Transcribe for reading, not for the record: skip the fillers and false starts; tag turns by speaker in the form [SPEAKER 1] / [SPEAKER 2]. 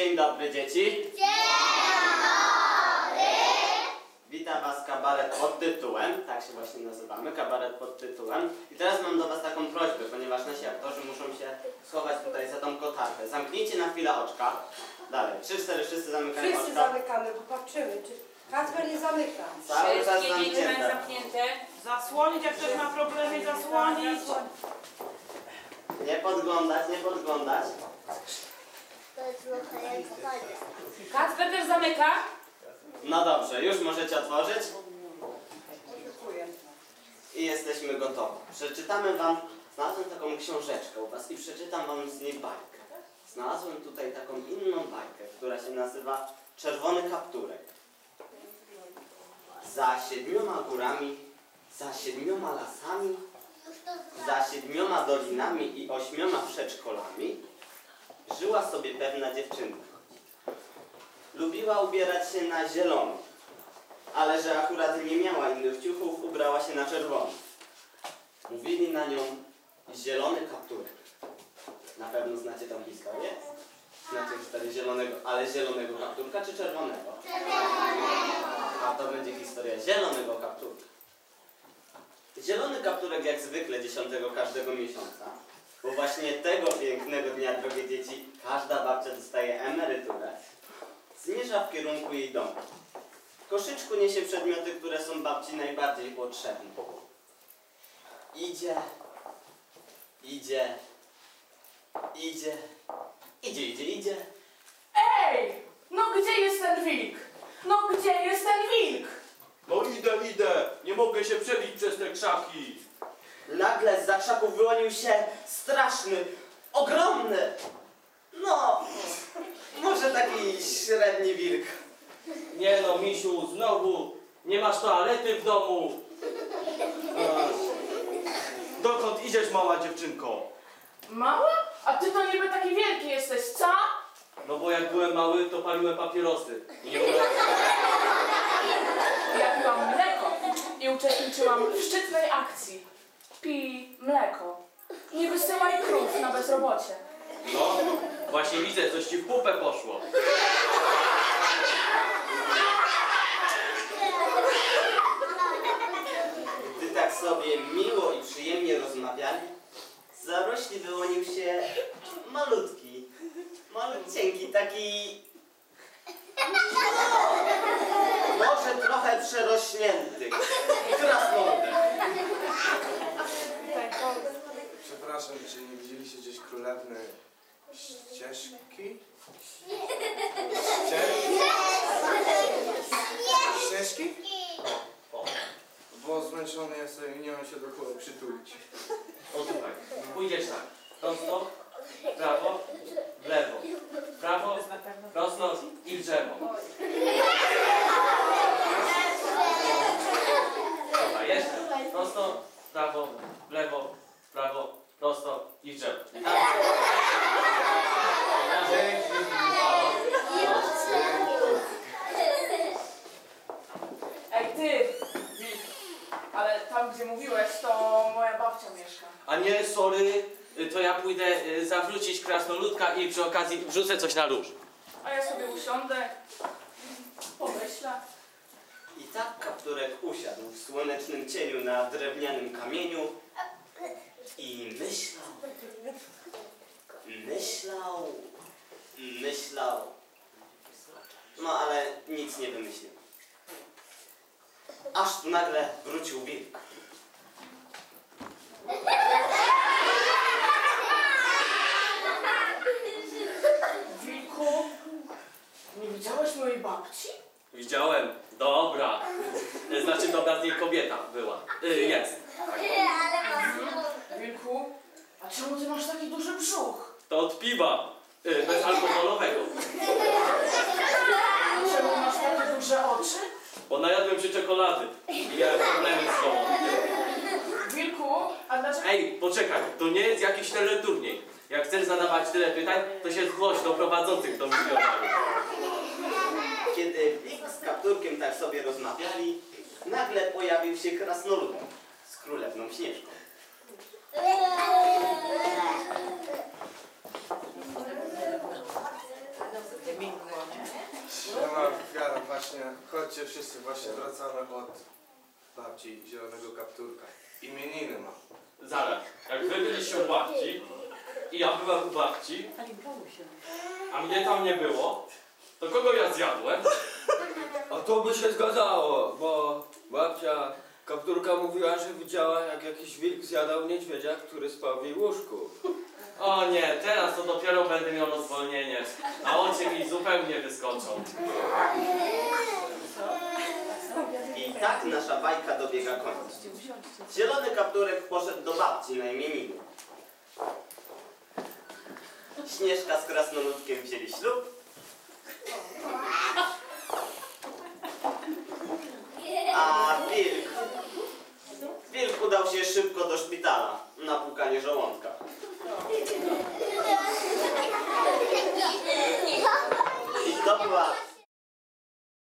[SPEAKER 1] Dzień dobry, dzieci.
[SPEAKER 2] Dzień dobry!
[SPEAKER 1] Witam was kabaret pod tytułem, tak się właśnie nazywamy, kabaret pod tytułem. I teraz mam do was taką prośbę, ponieważ nasi aktorzy muszą się schować tutaj za tą kotarkę. Zamknijcie na chwilę oczka. Dalej, 3-4, wszyscy zamykają
[SPEAKER 3] Wszyscy
[SPEAKER 1] oczka.
[SPEAKER 3] zamykamy, bo patrzymy, czy Kacper nie zamyka.
[SPEAKER 1] Cały czas
[SPEAKER 4] Wszystkie dzieci mają
[SPEAKER 1] zamknięte.
[SPEAKER 4] zamknięte.
[SPEAKER 5] Zasłonić, jak ktoś ma problemy, zasłonić.
[SPEAKER 1] Nie podglądać, nie podglądać.
[SPEAKER 2] To jest trochę jak fajnie.
[SPEAKER 4] Kacper też zamyka.
[SPEAKER 1] No dobrze, już możecie otworzyć
[SPEAKER 3] Dziękuję.
[SPEAKER 1] i jesteśmy gotowi. Przeczytamy wam, znalazłem taką książeczkę u was i przeczytam wam z niej bajkę. Znalazłem tutaj taką inną bajkę, która się nazywa Czerwony kapturek. Za 7 górami, za 7 lasami, za 7 dolinami i 8 przedszkolami żyła sobie pewna dziewczynka. Lubiła ubierać się na zielono, ale że akurat nie miała innych ciuchów, ubrała się na czerwono. Mówili na nią zielony kapturek. Na pewno znacie tą historię? Znacie historię zielonego, ale zielonego kapturka czy czerwonego? A to będzie historia zielonego kapturka. Zielony kapturek jak zwykle 10 każdego miesiąca, bo właśnie tego pięknego dnia, drogie dzieci, każda babcia dostaje emeryturę, zmierza w kierunku jej domu. W koszyczku niesie przedmioty, które są babci najbardziej potrzebne. Idzie, idzie, idzie, idzie, idzie, idzie.
[SPEAKER 5] Ej! No gdzie jest ten wilk? No gdzie jest ten wilk?
[SPEAKER 6] No idę, nie mogę się przebić przez te krzaki.
[SPEAKER 1] Nagle zza krzaków wyłonił się straszny, ogromny, no, może taki średni wilk.
[SPEAKER 6] Nie no, misiu, znowu nie masz toalety w domu. Dokąd idziesz, mała dziewczynko?
[SPEAKER 5] Mała? A ty to niby taki wielki jesteś, co?
[SPEAKER 6] No bo jak byłem mały, to paliłem papierosy. I nie mogłem...
[SPEAKER 5] Ja piłam mleko i uczestniczyłam w szczytnej akcji. Pij mleko. Nie wysyłaj krów na bezrobocie.
[SPEAKER 6] No, właśnie widzę, coś ci w pupę poszło.
[SPEAKER 1] Gdy tak sobie miło i przyjemnie rozmawiali, z zarośli wyłonił się malutki, malutcieńki, taki może trochę przerośnięty krasnoludek.
[SPEAKER 7] Przepraszam, czy nie widzieliście gdzieś królewny ścieżki? Ścieżki? Bo zmęczony jestem i nie mam się do kogo przytulić.
[SPEAKER 6] O tutaj, pójdziesz tak. Prosto, prawo, w lewo. Prawo, prosto i w drzewo. Dobra, jeszcze. Prosto, prawo, w lewo, prawo, prosto i w drzewo.
[SPEAKER 5] Ej ty, wilk. Ale tam gdzie mówiłeś, to moja babcia mieszka.
[SPEAKER 6] A nie, sorry, to ja pójdę zawrócić krasnoludka i przy okazji wrzucę coś na róż.
[SPEAKER 5] A ja sobie usiądę, pomyślę.
[SPEAKER 1] I tak kapturek usiadł w słonecznym cieniu na drewnianym kamieniu i myślał. No ale nic nie wymyślił. Aż tu nagle wrócił wilk.
[SPEAKER 5] Wilku, nie widziałeś mojej babci?
[SPEAKER 6] Widziałem, dobra. Znaczy dobra z niej kobieta była. Jest.
[SPEAKER 5] Wilku, a czemu ty masz taki duży brzuch?
[SPEAKER 6] To od piwa. Bezalkoholowego.
[SPEAKER 5] Czemu masz takie duże oczy?
[SPEAKER 6] Bo najadłem się czekolady i miałem problemy z sobą.
[SPEAKER 5] Wilku, a dlaczego...
[SPEAKER 6] Ej, poczekaj, to nie jest jakiś teleturniej. Jak chcesz zadawać tyle pytań, to się zgłoś do prowadzących do milionarów.
[SPEAKER 1] Kiedy wilk z kapturkiem tak sobie rozmawiali, nagle pojawił się krasnoludek z królewną Śnieżką.
[SPEAKER 7] chodźcie wszyscy, właśnie wracamy od babci Zielonego Kapturka. Imieniny ma.
[SPEAKER 6] Zaraz, jak wy byliście u babci i ja byłem u babci, a mnie tam nie było, to kogo ja zjadłem?
[SPEAKER 8] A to by się zgadzało, bo babcia Kapturka mówiła, że widziała, jak jakiś wilk zjadał niedźwiedzia, który spał w jej łóżku.
[SPEAKER 6] O nie, teraz to dopiero będę miał rozwolnienie, a oczy mi zupełnie wyskoczą.
[SPEAKER 1] I tak nasza bajka dobiega końca. Zielony Kapturek poszedł do babci na imieniny. Śnieżka z Krasnoludkiem wzięli ślub. A wilk udał się szybko do szpitala na płukanie żołądka. I to była